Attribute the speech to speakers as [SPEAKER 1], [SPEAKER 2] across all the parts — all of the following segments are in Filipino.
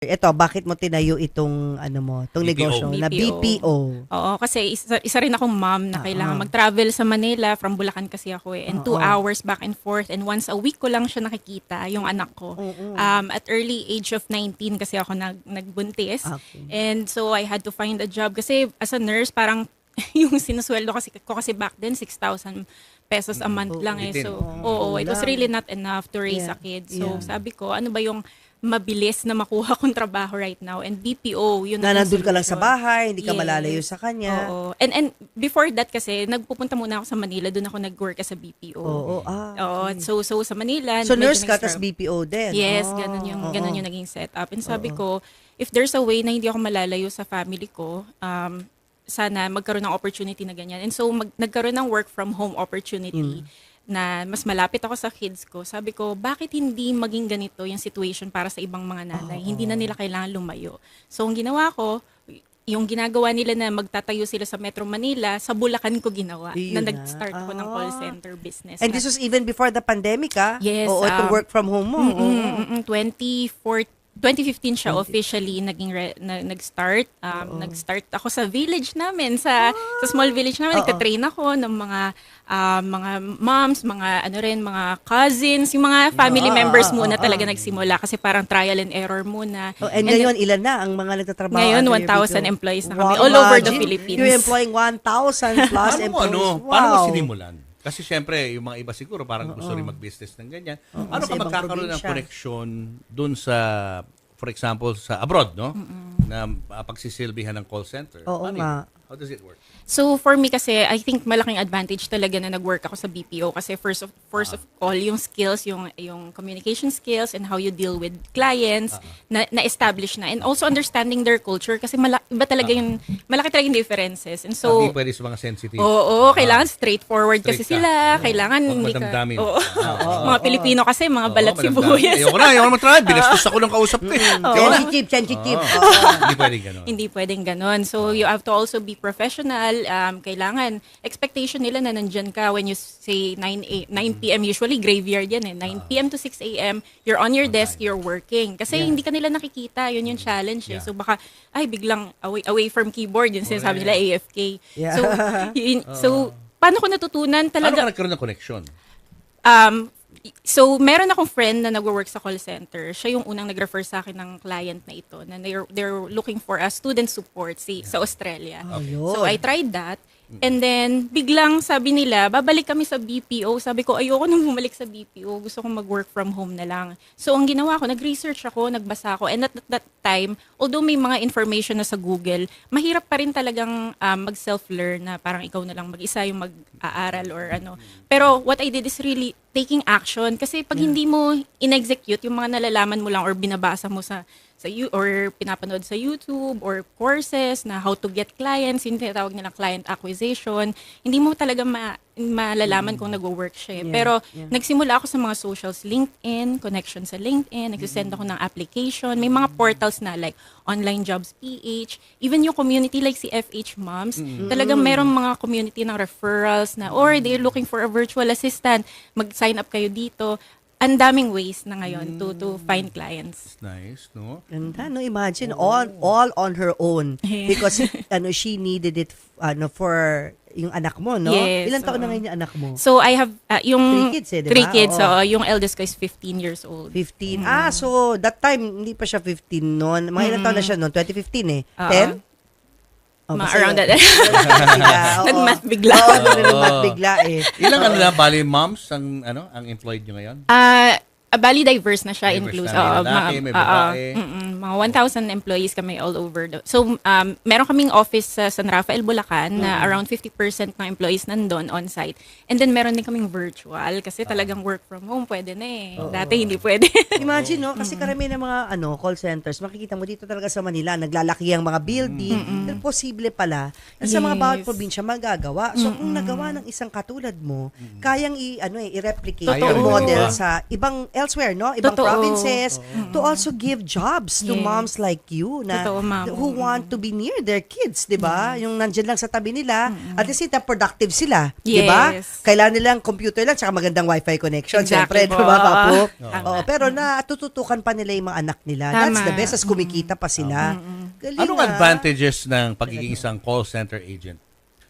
[SPEAKER 1] Eto, bakit mo tinayo itong itong
[SPEAKER 2] BPO.
[SPEAKER 1] negosyo na BPO?
[SPEAKER 3] Oo, kasi isa rin akong mom na kailangan mag-travel sa Manila. From Bulacan kasi ako eh. And 2 hours back and forth. And once a week ko lang siya nakikita, yung anak ko. At early age of 19 kasi ako nagbuntis.
[SPEAKER 1] Okay.
[SPEAKER 3] And so I had to find a job. Kasi as a nurse, parang yung sinusweldo kasi back then, 6,000 pesos a month lang eh. So, it was really not enough to raise a kid. So, sabi ko, ano ba yung mabilis na makuha kong trabaho right now, and BPO yun
[SPEAKER 1] Na
[SPEAKER 3] ang
[SPEAKER 1] nandun ka lang sa
[SPEAKER 3] solution.
[SPEAKER 1] bahay, hindi ka
[SPEAKER 3] Yes.
[SPEAKER 1] malalayo sa kanya.
[SPEAKER 3] Oo. And before that kasi nagpupunta muna ako sa Manila, doon ako nag-work sa BPO.
[SPEAKER 1] Oo,
[SPEAKER 3] Oo, so sa Manila
[SPEAKER 1] So
[SPEAKER 3] medyo
[SPEAKER 1] nurse ka, tas
[SPEAKER 3] nag-struggle.
[SPEAKER 1] BPO din?
[SPEAKER 3] Yes,
[SPEAKER 1] Oh,
[SPEAKER 3] ganun yung naging setup. And sabi ko, if there's a way na hindi ako malalayo sa family ko, sana magkaroon ng opportunity na ganyan. And so nagkaroon ng work from home opportunity na mas malapit ako sa kids ko. Sabi ko, bakit hindi maging ganito yung situation para sa ibang mga nanay? Hindi na nila kailangan lumayo. So ang ginawa ko, yung ginagawa nila na magtatayo sila sa Metro Manila, sa Bulacan ko ginawa.
[SPEAKER 1] Yun
[SPEAKER 3] na
[SPEAKER 1] na.
[SPEAKER 3] nag-start ako ng call center business.
[SPEAKER 1] And this was even before the pandemic,
[SPEAKER 3] Yes,
[SPEAKER 1] Oo, itong work from home mo.
[SPEAKER 3] 2015 siya officially nag-start. Nag-start ako sa village namin, sa small village namin. Nagka-train ako ng mga moms, mga cousins, yung mga family members muna talaga nagsimula kasi parang trial and error muna.
[SPEAKER 1] And ngayon, ilan na ang mga nagtatrabaho?
[SPEAKER 3] Ngayon,
[SPEAKER 1] under your
[SPEAKER 3] 1,000
[SPEAKER 1] BPO?
[SPEAKER 3] employees na kami all over the
[SPEAKER 1] imagine,
[SPEAKER 3] Philippines.
[SPEAKER 1] You're employing 1,000 plus employees.
[SPEAKER 2] Paano mo sinimulan? Kasi syempre, yung mga iba siguro parang gusto rin mag-business ng ganyan. Ano
[SPEAKER 1] sa
[SPEAKER 2] ka
[SPEAKER 1] ibang
[SPEAKER 2] magkakaroon ng
[SPEAKER 1] probinsya.
[SPEAKER 2] connection dun sa, for example, sa abroad, no? Na pagsisilbihan ng call center.
[SPEAKER 1] Oo
[SPEAKER 2] Paano
[SPEAKER 1] nga.
[SPEAKER 2] yun? How does it work?
[SPEAKER 3] So for me kasi, I think malaking advantage talaga na nag-work ako sa BPO kasi first of all, yung skills, yung communication skills and how you deal with clients na-establish na. And also understanding their culture kasi iba talaga malaki talaga yung differences. And so,
[SPEAKER 2] Hindi pwede sa mga sensitive.
[SPEAKER 3] oo, kailangan straightforward kasi
[SPEAKER 2] Straight ka.
[SPEAKER 3] sila. Kailangan
[SPEAKER 2] Huwag
[SPEAKER 3] hindi ka...
[SPEAKER 2] madamdamin.
[SPEAKER 3] Oo. Mga Pilipino kasi, mga balat sibuyas.
[SPEAKER 2] Ayoko na matry. Binastos ako ng kausap ko.
[SPEAKER 1] Sensitive.
[SPEAKER 2] Hindi pwede gano'n.
[SPEAKER 3] Hindi pwedeng ganon. So, you have to also be professional. Kailangan, expectation nila na nandyan ka when you say 9 p.m. Usually, graveyard yan eh. 9 p.m. to 6 a.m. You're on your desk, you're working. Kasi hindi ka nila nakikita. Yun yung challenge eh. So, baka, biglang away from keyboard. Yun sinasabi nila, AFK.
[SPEAKER 1] Yeah.
[SPEAKER 3] So, paano ko natutunan
[SPEAKER 2] Paano
[SPEAKER 3] talaga?
[SPEAKER 2] ka nagkaroon ng connection?
[SPEAKER 3] So, meron akong friend na nagwo-work sa call center. Siya yung unang nag-refer sa akin ng client na ito na they're looking for a student support sa Australia. So, I tried that. And then, biglang sabi nila, babalik kami sa BPO. Sabi ko, ayoko nang bumalik sa BPO. Gusto kong mag-work from home na lang. So, ang ginawa ko, nag-research ako, nagbasa ako. And at that time, although may mga information na sa Google, mahirap pa rin talagang mag-self-learn na parang ikaw na lang mag-isa yung mag-aaral or ano. Pero what I did is really taking action. Kasi pag hindi mo in-execute yung mga nalalaman mo lang or binabasa mo or pinapanood sa YouTube or courses na how to get clients, yung tinatawag nilang client acquisition, hindi mo talaga malalaman kung nagwo-work siya. Pero nagsimula ako sa mga socials, LinkedIn, connection sa LinkedIn, nagsisend ako ng application, may mga portals na like Online Jobs PH, even yung community like si FH Moms, talagang merong mga community ng referrals na, or they're looking for a virtual assistant, mag-sign up kayo dito. Ang daming ways na ngayon to find clients.
[SPEAKER 2] Nice, no?
[SPEAKER 1] Ganda, no? Imagine, all on her own. Because, she needed it, for yung anak mo, no?
[SPEAKER 3] Yes,
[SPEAKER 1] Ilan taon na ngayon yung anak mo?
[SPEAKER 3] So I have yung
[SPEAKER 1] 3 kids eh, di ba?
[SPEAKER 3] 3 kids.
[SPEAKER 1] Oo.
[SPEAKER 3] So yung eldest ko is 15 years old.
[SPEAKER 1] 15. So that time, hindi pa siya 15 noon. Mga ilang taon na siya noon? 2015 eh. 10?
[SPEAKER 3] Around that.
[SPEAKER 1] Nag-math
[SPEAKER 3] Nag-math bigla.
[SPEAKER 1] Oo, nag-math bigla eh.
[SPEAKER 2] Ilang bali moms ang employed nyo ngayon?
[SPEAKER 3] Bali diverse na siya,
[SPEAKER 2] Diverse
[SPEAKER 3] inclusive.
[SPEAKER 2] na, may lalaki, may babae.
[SPEAKER 3] Mga 1,000 employees kami all over. So, meron kaming office sa San Rafael, Bulacan na around 50% ng employees nandun on-site. And then, meron din kaming virtual kasi talagang work from home, pwede na eh. Dati hindi pwede.
[SPEAKER 1] Imagine, no? Kasi karamihan ng mga call centers, makikita mo dito talaga sa Manila, naglalaki ang mga building. Pero posible pala na sa mga bawat probinsya magagawa. So, kung nagawa ng isang katulad mo, kayang i-replicate
[SPEAKER 2] Totoo.
[SPEAKER 1] yung model sa ibang elsewhere, no? Ibang
[SPEAKER 3] Totoo.
[SPEAKER 1] provinces to also give jobs to to moms like you na
[SPEAKER 3] Totoo, ma'am.
[SPEAKER 1] who want to be near their kids, 'di ba? Yung nandiyan lang sa tabi nila, at the same time productive sila, 'di ba?
[SPEAKER 3] Yes.
[SPEAKER 1] Kailangan nilang computer lang tsaka magandang wifi connection,
[SPEAKER 3] Exactly
[SPEAKER 1] syempre, 'di
[SPEAKER 3] po.
[SPEAKER 1] ba, Papo?
[SPEAKER 3] Tama.
[SPEAKER 1] Oo, pero natututukan pa nila yung mga anak nila. That's
[SPEAKER 3] Tama.
[SPEAKER 1] the best, as kumikita pa sila. Galing,
[SPEAKER 2] Anong
[SPEAKER 1] ah.
[SPEAKER 2] advantages ng pagiging isang call center agent?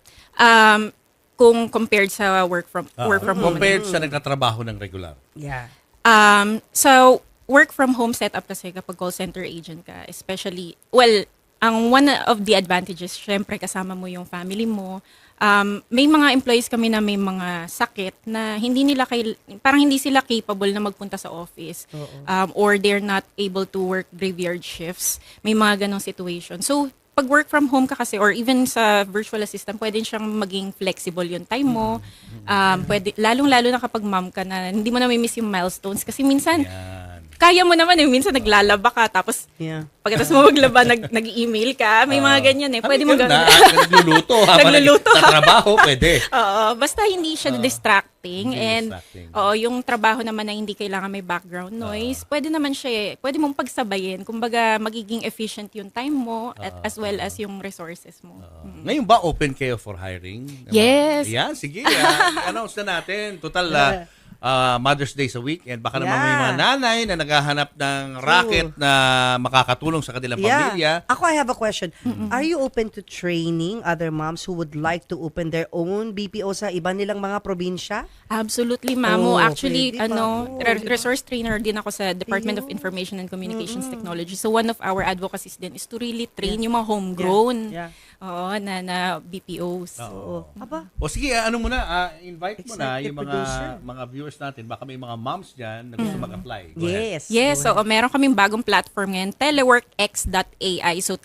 [SPEAKER 3] Kung compared sa work from home.
[SPEAKER 2] Compared sa nagtatrabaho ng regular.
[SPEAKER 1] Yeah.
[SPEAKER 3] So, work from home setup kasi kapag call center agent ka, especially, well, ang one of the advantages, syempre kasama mo yung family mo. May mga employees kami na may mga sakit na parang hindi sila capable na magpunta sa office. Or they're not able to work graveyard shifts. May mga ganong situation. So, pag work from home ka kasi or even sa virtual assistant, pwede siyang maging flexible yung time mo. Pwede, lalong-lalo na kapag mom ka na hindi mo na miss yung milestones. Kasi minsan,
[SPEAKER 2] Yan.
[SPEAKER 3] kaya mo naman minsan naglalaba ka, tapos
[SPEAKER 1] Yeah.
[SPEAKER 3] pagkatapos mo maglaba, nag-email ka. May mga ganyan eh. Pwede mo
[SPEAKER 2] na,
[SPEAKER 3] gawin.
[SPEAKER 2] nagluluto habang
[SPEAKER 3] Nagluluto.
[SPEAKER 2] nagtatrabaho, pwede.
[SPEAKER 3] Oo, basta hindi siya distracting.
[SPEAKER 2] Hindi
[SPEAKER 3] And
[SPEAKER 2] distracting.
[SPEAKER 3] oo, yung trabaho naman na hindi kailangan may background noise, pwede naman siya pwede mong pagsabayin. Kumbaga, magiging efficient yung time mo as well as yung resources mo.
[SPEAKER 2] Ngayon ba open kayo for hiring?
[SPEAKER 3] Yes.
[SPEAKER 2] Yan, sige. Announce na natin. Total, Mother's Day sa weekend. Baka naman may
[SPEAKER 1] Yeah.
[SPEAKER 2] mga nanay na naghahanap ng racket na makakatulong sa kanilang pamilya.
[SPEAKER 1] Ako, I have a question. Are you open to training other moms who would like to open their own BPO sa iba nilang mga probinsya?
[SPEAKER 3] Absolutely, Mamo.
[SPEAKER 1] Oh,
[SPEAKER 3] Actually,
[SPEAKER 1] pwede pa.
[SPEAKER 3] resource trainer din ako sa Department of Information and Communications Technology. So one of our advocacies din is to really train yung mga homegrown
[SPEAKER 1] Yeah.
[SPEAKER 3] Oo, na BPOs.
[SPEAKER 1] Oo. Aba,
[SPEAKER 2] O sige, ano muna, invite mo na
[SPEAKER 1] Executive
[SPEAKER 2] yung
[SPEAKER 1] producer.
[SPEAKER 2] mga viewers natin. Baka may mga moms dyan na gusto mag-apply. Go ahead.
[SPEAKER 1] yes.
[SPEAKER 3] Yes, so meron kaming bagong platform ngayon, teleworkx.ai. So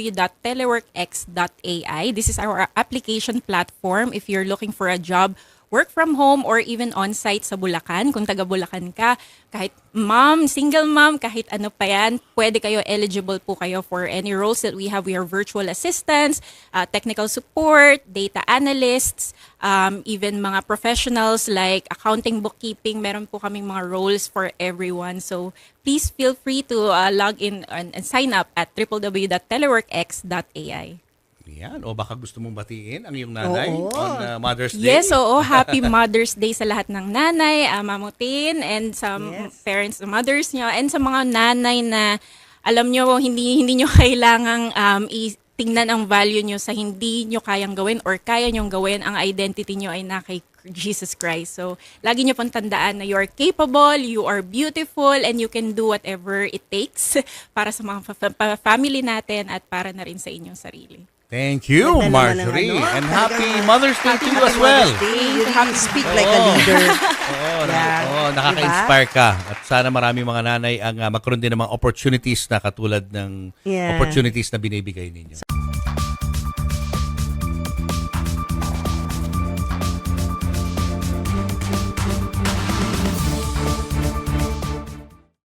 [SPEAKER 3] www.teleworkx.ai. This is our application platform if you're looking for a job, work from home or even on-site sa Bulacan. Kung taga Bulacan ka, kahit mom, single mom, kahit ano pa yan, pwede kayo, eligible po kayo for any roles that we have. We are virtual assistants, technical support, data analysts, even mga professionals like accounting, bookkeeping. Meron po kaming mga roles for everyone. So please feel free to log in and sign up at www.teleworkx.ai.
[SPEAKER 2] Yan. O baka gusto mong batiin ang iyong nanay
[SPEAKER 1] Oo.
[SPEAKER 2] on Mother's Day.
[SPEAKER 3] Yes, oo. Happy Mother's Day sa lahat ng nanay, mamutin, and sa
[SPEAKER 1] Yes.
[SPEAKER 3] parents, mothers nyo, and sa mga nanay na alam nyo, hindi nyo kailangang tingnan ang value nyo sa hindi nyo kayang gawin or kaya nyong gawin. Ang identity nyo ay na kay Jesus Christ. So, lagi nyo pong tandaan na you are capable, you are beautiful, and you can do whatever it takes para sa mga family natin at para na rin sa inyong sarili.
[SPEAKER 2] Thank you,
[SPEAKER 1] Ganda naman ng
[SPEAKER 2] Marjorie.
[SPEAKER 1] ano.
[SPEAKER 2] And
[SPEAKER 1] Talagang
[SPEAKER 2] happy Mother's Day to you as well.
[SPEAKER 1] You really speak like a leader. Yeah.
[SPEAKER 2] Nakaka-inspire ka. At sana marami mga nanay ang magkaroon din ng mga opportunities na katulad ng
[SPEAKER 1] Yeah.
[SPEAKER 2] opportunities na binibigay ninyo.